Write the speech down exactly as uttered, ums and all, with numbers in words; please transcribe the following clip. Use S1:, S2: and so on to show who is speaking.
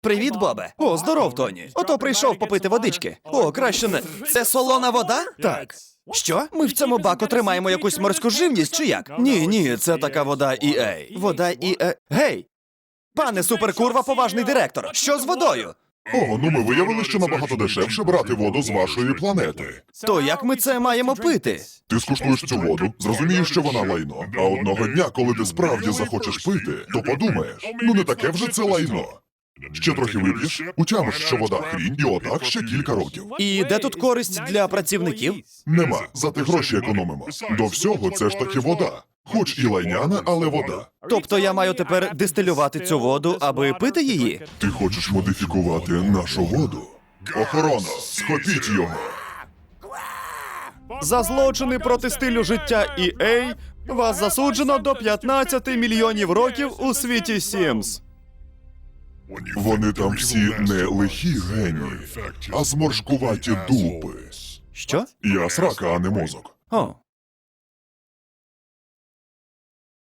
S1: Привіт, Бобе. О, здоров, Тоні. Ото прийшов попити водички. О, краще не. Це солона вода? Так. Що? Ми в цьому баку тримаємо якусь морську живність чи як? Ні, ні, це така вода і ей. Вода і ей. Гей! Пане суперкурва, поважний директор. Що з водою?
S2: О, ну ми виявили, що набагато дешевше брати воду з вашої планети.
S1: То як ми це маємо пити?
S2: Ти скуштуєш цю воду, зрозумієш, що вона лайно. А одного дня, коли ти справді захочеш пити, то подумаєш, ну не таке вже це лайно. Ще трохи вип'єш, утямиш, що вода хрінь, і отак ще кілька років.
S1: І де тут користь для працівників?
S2: Нема, зате гроші економимо. До всього це ж таки вода. Хоч і лайняна, але вода.
S1: Тобто я маю тепер дистилювати цю воду, аби пити її?
S2: Ти хочеш модифікувати нашу воду? Охорона, схопіть його!
S1: За злочини проти стилю життя і ей вас засуджено до п'ятнадцяти мільйонів років у світі Сімс.
S2: Вони там всі не лихі генії, а зморшкуваті дупи.
S1: Що?
S2: Я срака, а не мозок.
S1: О,